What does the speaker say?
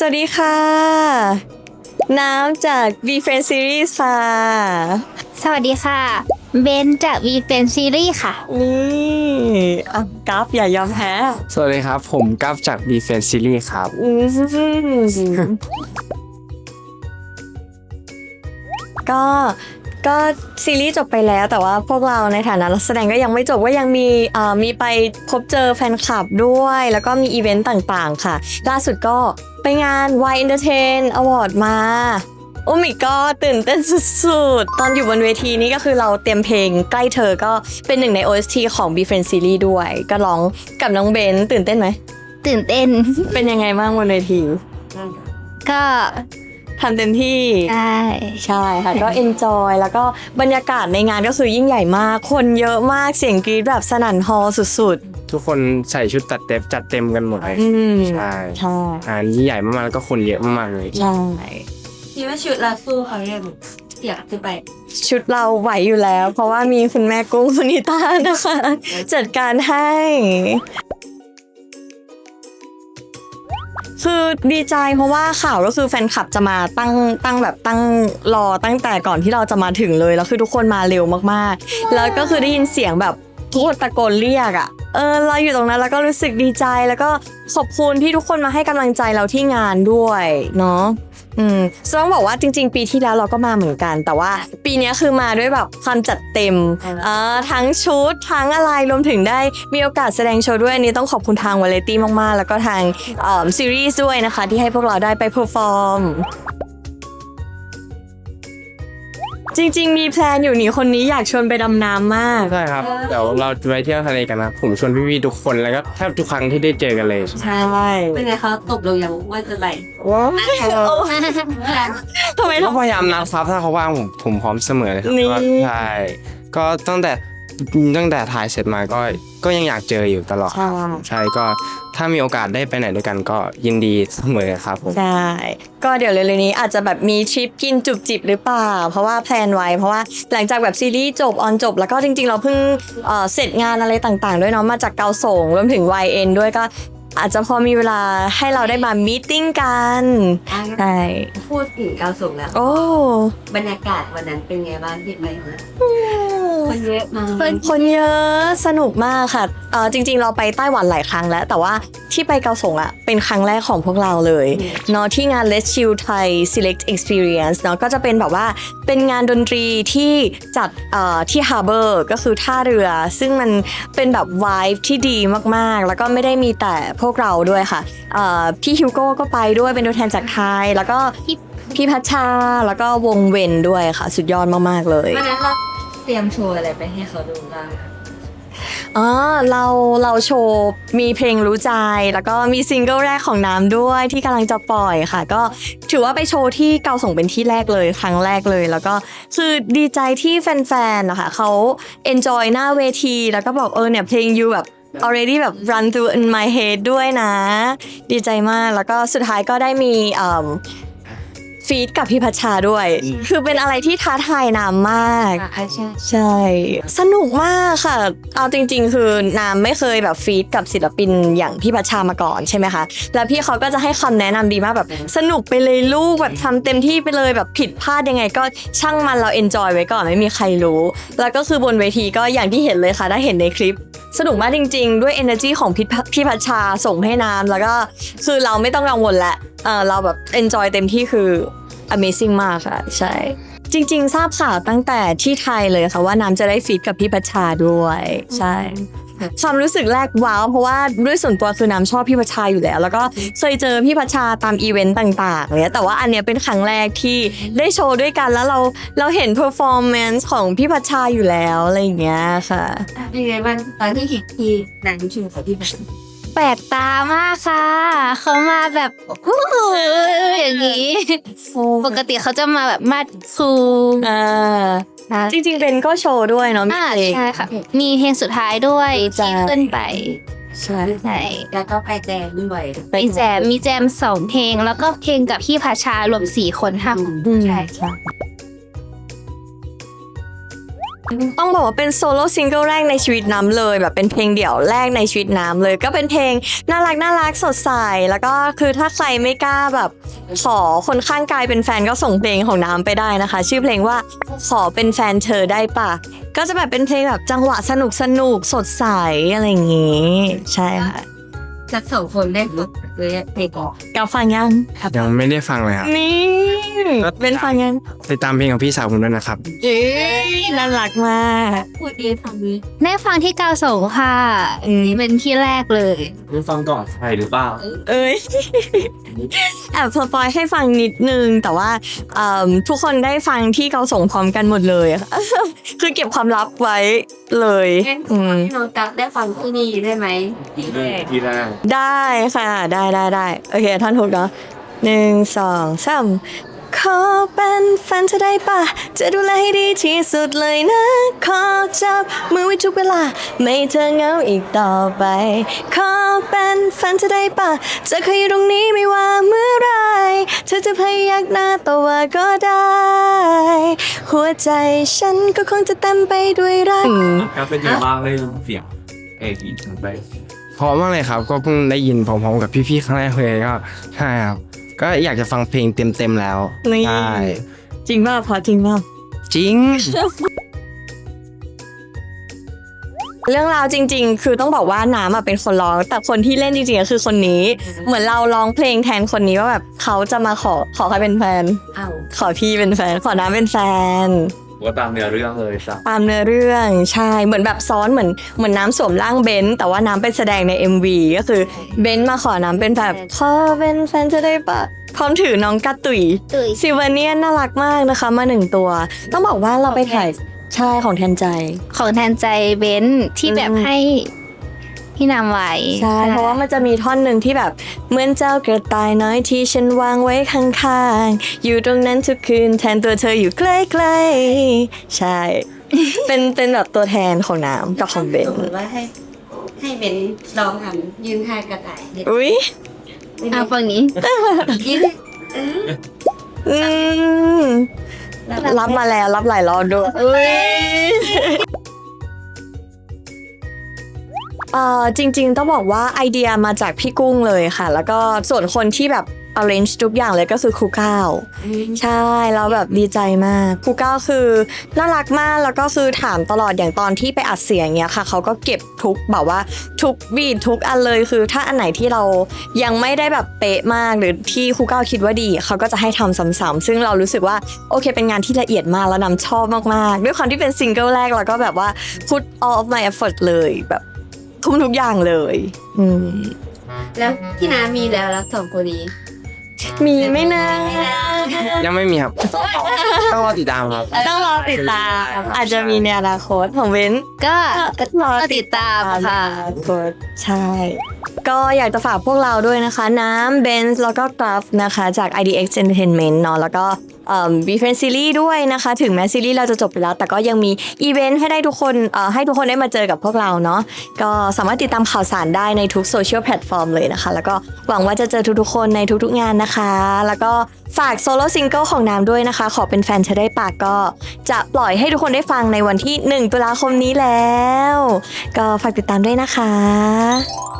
วัสดีค่ะน้ำจาก V Friend Series ค่ะสวัสดีค่ะเบนจาก V Friend Series ค่ะนี่กราฟอย่ายอมแพ้สวัสดีครับผมกัฟจาก B Fan Series ครับก็ก็ซีรีส์จบไปแล้วแต่ว่าพวกเราในฐานะนักแสดงก็ยังไม่จบก็ยังมีไปพบเจอแฟนคลับด้วยแล้วก็มีอีเวนต์ต่างๆค่ะล่าสุดก็ไปงาน Y Entertain Award มาโอ้มิก็ตื่นเต้นสุดๆตอนอยู่บนเวทีนี้ก็คือเราเตรียมเพลงใกล้เธอก็เป็นหนึ่งใน OST ของ B Friend Series ด้วยก็ร้องกับน้องเบนตื่นเต้นไหมตื่นเต้นเป็นยังไงบ้างบนเวทีก็ทำเต็มที่ใช่ค่ะก็ enjoy แล้วก็บรรยากาศในงานก็คือยิ่งใหญ่มากคนเยอะมากเสียงกรี๊ดแบบสนั่นฮอลล์สุดๆทุกคนใส่ชุดจัดเต็มกันหมดเลยใช่ยิ่งใหญ่มากๆแล้วก็คนเยอะมากๆเลยใช่คิดว่าชุดเราสู้เขายังอยากจะไปชุดเราไหวอยู่แล้วเพราะว่ามีคุณแม่กุ้งสุนิตานะคะจัดการให้คือดีใจเพราะว่าข่าวก็คือแฟนคลับจะมาตั้งรอตั้งแต่ก่อนที่เราจะมาถึงเลยแล้วคือทุกคนมาเร็วมากๆแล้วก็คือได้ยินเสียงแบบทุกคนตะโกนเรียกอ่ะเราอยู่ตรงนั้นแล้วก็รู้สึกดีใจแล้วก็ขอบคุณที่ทุกคนมาให้กำลังใจเราที่งานด้วยเนาะต้องบอกว่าจริงๆปีที่แล้วเราก็มาเหมือนกันแต่ว่าปีนี้คือมาด้วยแบบความจัดเต็มทั้งชุดทั้งอะไรรวมถึงได้มีโอกาสแสดงโชว์ด้วยอันนี้ต้องขอบคุณทางวาไรตี้มากๆแล้วก็ทางซีรีส์ด้วยนะคะที่ให้พวกเราได้ไปเพอร์ฟอร์มจริงๆมีแพลนอยู่นี่คนนี้อยากชวนไปดำน้ำมากใช่ครับเดี๋ยวเราไปเที่ยวทะเลกันนะผมชวนพี่ๆทุกคนแล้วก็แทบทุกครั้งที่ได้เจอกันเลยใช่เป็นไงเขาตกลงยังว่าจะไปว้าวทำไมต้องพยายามนัดครับถ้าเขาว่างผมพร้อมเสมอเลยครับใช่ก็ตั้งแต่ถ่ายเสร็จมาก็ยังอยากเจออยู่ตลอดใช่ก็ถ้ามีโอกาสได้ไปไหนด้วยกันก็ยินดีเสมอครับผมใช่ก็เดี๋ยวเร็วๆนี้อาจจะแบบมีทริปกินจุบจิบหรือเปล่าเพราะว่าแพลนไว้เพราะว่าหลังจากแบบซีรีส์จบออนจบแล้วก็จริงๆเราเพิ่งเสร็จงานอะไรต่างๆด้วยเนาะมาจากเกาสงรวมถึง YN ด้วยก็อาจจะพอมีเวลาให้เราได้มามีตติ้งกันใช่พูดถึงเกาสงแล้วบรรยากาศวันนั้นเป็นไงบ้างที่ไปคนเยอะมากคนเยอะสนุกมากค่ะจริงๆเราไปไต้หวันหลายครั้งแล้วแต่ว่าที่ไปเกาสงเป็นครั้งแรกของพวกเราเลยเนาะที่งาน Let's Chill Thai Select Experience เนาะก็จะเป็นแบบว่าเป็นงานดนตรีที่จัดที่ Harbor ก็คือท่าเรือซึ่งมันเป็นแบบ vibe ที่ดีมากๆแล้วก็ไม่ได้มีแต่พวกเราด้วยค่ะพี่ฮิวโก้ก็ไปด้วยเป็นตัวแทนจากไทยแล้วก็พี่พัชชาแล้วก็วงเวนด้วยค่ะสุดยอดมากๆเลยวันนั้นเราเตรียมโชว์อะไรไปให้เขาดูบ้างเราโชว์มีเพลงรู้ใจแล้วก็มีซิงเกิลแรกของน้ำด้วยที่กำลังจะปล่อยค่ะก็ถือว่าไปโชว์ที่เกาสงเป็นที่แรกเลยครั้งแรกเลยแล้วก็คือดีใจที่แฟนๆนะคะเขา enjoy หน้าเวทีแล้วก็บอกเนี่ยเพลงยูแบบalready แบบ run through in my head ด้วยนะดีใจมากแล้วก็สุดท้ายก็ได้มีฟีดกับพี่พัชชาด้วยคือเป็นอะไรที่ท้าทายน้ำมากใช่สนุกมากค่ะเอาจริงๆคือน้ำไม่เคยแบบฟีดกับศิลปินอย่างพี่พัชชามาก่อนใช่ไหมคะแล้วพี่เขาก็จะให้คำแนะนำดีมากแบบสนุกไปเลยลูกแบบทำเต็มที่ไปเลยแบบผิดพลาดยังไงก็ช่างมันเราเอนจอยไว้ก่อนไม่มีใครรู้แล้วก็คือบนเวทีก็อย่างที่เห็นเลยค่ะได้เห็นในคลิปสนุกมากจริงๆด้วย energy ของพี่พัชชาส่งให้น้ำแล้วก็คือเราไม่ต้องกังวลแหละเราแบบ enjoy เต็มที่คือ amazing มากค่ะใช่จริงๆทราบข่าวตั้งแต่ที่ไทยเลยค่ะว่าน้ำจะได้ฟีดกับพี่พัชชาด้วยใช่ความรู้สึกแรกว้าวเพราะว่าด้วยส่วนตัวคือน้ำชอบพี่พัชชาอยู่แล้วแล้วก็เคยเจอพี่พัชชาตามอีเวนต์ต่างๆเนี่ยแต่ว่าอันเนี้ยเป็นครั้งแรกที่ได้โชว์ด้วยกันแล้วเราเห็น performance ของพี่พัชชาอยู่แล้วอะไรอย่างเงี้ยค่ะเป็นไงบ้างตอนที่เห็นที่นางชูกับพี่พัชชาแปลกตามากค่ะเขามาแบบอย่างนี้ปกติเขาจะมาแบบมาซูจริงๆเป็นก็โชว์ด้วยเนาะใช่ค่ะมีเพลงสุดท้ายด้วยที่ขึ้นไปใช่แล้วก็ไปแจมด้วยมีแจม2เพลงแล้วก็เพลงกับพี่พัชชารวม4 คนค่ะใช่ต้องบอกว่าเป็นโซโล่ซิงเกิลแรกในชีวิตน้ำเลยแบบเป็นเพลงเดี่ยวแรกในชีวิตน้ำเลยก็เป็นเพลงน่ารักสดใสแล้วก็คือถ้าใครไม่กล้าแบบขอคนข้างกายเป็นแฟนก็ส่งเพลงของน้ำไปได้นะคะ ชื่อเพลงว่าขอเป็นแฟนเธอได้ปะก็จะแบบเป็นเพลงแบบจังหวะสนุกสดใสอะไรอย่างงี้ใช่ค่ะจะสองคนได้ฝึกเลยเพลงออกกับฟังยังยังไม่ได้ฟังเลยครับนี่เป็นฟังยังติดตามเพลงของพี่สาวผมด้วยนะครับน่ารักมากพูดดีฟังนี้ได้ฟังที่กาวสงค่ะนี่เป็นที่แรกเลยรู้ฟังก่อนใครหรือเปล่าเอ้ย แอบสปอยให้ฟังนิดนึง แต่ว่าทุกคนได้ฟังที่เราส่งพร้อมกันหมดเลยอะ คือเก็บความลับไว้เลยงั้นอืมให้น้องตั๊กได้ฟังที่นี่ได้ไหมที่แรกทีแรกได้ค่ะ ได้โอเคท่านถูกเนาะ1 2 3ขอเป็นแฟนเธอได้ปะจะดูแลให้ดีที่สุดเลยนะ ขอจับมือไว้ทุกเวลา ไม่เธอเหงาอีกต่อไป ขอเป็นแฟนเธอได้ปะจะเคยอยู่ตรงนี้ไม่ว่าเมื่อไรเธอจะพยักหน้าต่อว่าก็ได้ หัวใจฉันก็คงจะเต็มไปด้วยรักครับเป็นยังไงบ้างเลยเสียงอีกไปพร้อมมากเลยครับ ก็เพิ่งได้ยินพร้อมๆกับพี่ๆครั้งแรกเลยก็ใช่ครับก็อยากจะฟังเพลงเต็มๆแล้วนี่ใช่จริงป่ะพอจริงป่ะจริงเรื่องราวจริง ๆ คือต้องบอกว่าน้ำเป็นคนร้อง แต่คนที่เล่นจริงๆก็คือคนนี้ เหมือนเราร้องเพลงแทนคนนี้ว่าแบบเขาจะมาขอใครเป็นแฟนอ้าวขอพี่เป็นแฟน ขอน้ำเป็นแฟนว่าตามเนื้อเรื่องเลยจ้ะตามเนื้อเรื่องใช่เหมือนแบบซ้อนเหมือนน้ำสวมร่างเบนซ์แต่ว่าน้ำเป็นแสดงใน MV ก็คือเบนซ์มาขอน้ำเป็นแบบขอเป็นแฟนจะได้ปะพร้อมถือน้องกระตุยตุ๋ยซิลเวเนียนน่ารักมากนะคะมา1 ตัว ต้องบอกว่าเราไปถ่ายใช่ของแทนใจของแทนใจเบนซ์ที่แบบให้พี่นำไว้ใช่ เพราะว่ามันจะมีท่อนหนึ่งที่แบบเหมือนเจ้ากระต่ายน้อยที่ฉันวางไว้ข้างๆ อยู่ตรงนั้นทุกคืนแทนตัวเธออยู่ใกล้ๆ ใช่ เป็นแบบตัวแทนของน้ำกับของเบนสมมติว่าให้เบนลองทำยืนท่ากระต่ายเด็ดอุ้ยฝั่งนี้ยืนอืมรับมาแล้วรับหลายรอบด้วยอุ้ยจริงๆต้องบอกว่าไอเดียมาจากพี่กุ้งเลยค่ะ แล้วก็ส่วนคนที่แบบ arrange ทุกอย่างเลยก็คือครูก้าวใช่แล้วแบบดีใจมากครูก้าวคือน่ารักมากแล้วก็คือถามตลอดอย่างตอนที่ไปอัดเสียงเนี้ยค่ะเขาก็เก็บทุกแบบว่าทุกบีททุกอันเลยคือถ้าอันไหนที่เรายังไม่ได้แบบเป๊ะมากหรือที่ครูก้าวคิดว่าดีเขาก็จะให้ทำซ้ำๆซึ่งเรารู้สึกว่าโอเคเป็นงานที่ละเอียดมากแล้วนำชอบมากๆด้วยความที่เป็นซิงเกิลแรกแล้วก็แบบว่า put all of my effort เลยแบบทุ่มทุกอย่างเลยแล้วที่น้ามีแล้วสองคนนี้มีไหม่นะยังไม่มีครับ ต้องรอติดตามครับต้องรอติดตาม อาจจะมีในอนาคตของเว้นก็รอติดตามค่ะใช่ ก็อยากจะฝากพวกเราด้วยนะคะ น้ำเบนซ์แล้วก็กราฟนะคะจาก IDX Entertainment เนาะแล้วก็บีเฟรนซีรีส์ด้วยนะคะ ถึงแม้ซีรีส์เราจะจบไปแล้ว แต่ก็ยังมีอีเวนต์ให้ได้ทุกคนให้ทุกคนได้มาเจอกับพวกเราเนาะก็สามารถติดตามข่าวสารได้ในทุกโซเชียลแพลตฟอร์มเลยนะคะ แล้วก็หวังว่าจะเจอทุกๆคนในทุกๆงานนะคะ แล้วก็ฝากโซโล่ซิงเกิลของน้ำด้วยนะคะ ขอเป็นแฟนเธอได้ปากก็จะปล่อยให้ทุกคนได้ฟังในวันที่1 ตุลาคมนี้แล้ว ก็ฝากติดตามด้วยนะคะ